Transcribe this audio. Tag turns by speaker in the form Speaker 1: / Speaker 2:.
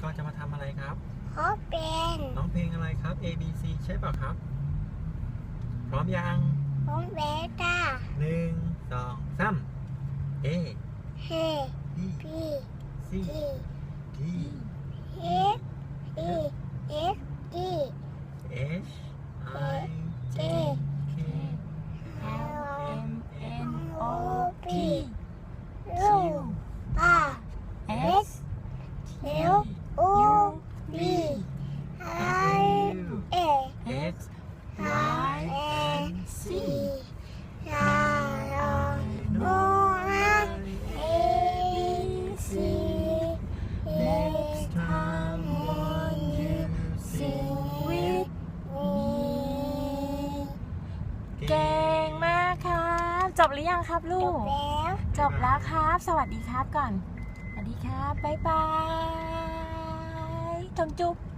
Speaker 1: ก็จะมาทำอะไรครับ
Speaker 2: ขอเป็น
Speaker 1: น้องเพลงอะไรครับ A B C ใช่เปล่าครับ พร้อมยัง
Speaker 2: ของเบต้า
Speaker 1: 1 2 3 A
Speaker 2: เฮ
Speaker 1: B
Speaker 2: พี
Speaker 1: C
Speaker 2: อี
Speaker 1: D
Speaker 2: เอฟอีเอฟดี
Speaker 1: H I J K
Speaker 2: L
Speaker 3: M N O P
Speaker 2: ลูกป้า
Speaker 3: S
Speaker 2: L O B I A
Speaker 1: X
Speaker 3: Y
Speaker 2: N
Speaker 3: C
Speaker 2: C R O N A B C
Speaker 1: Next time when you sing with
Speaker 2: me
Speaker 3: เก่งมากครับ จบหรือยังครับลู
Speaker 2: จ
Speaker 3: ก
Speaker 2: บแล้ว
Speaker 3: จบแล้วครับ สวัสดีครับก่อน สวัสดีครับ บ๊ายบาย จุ๊บ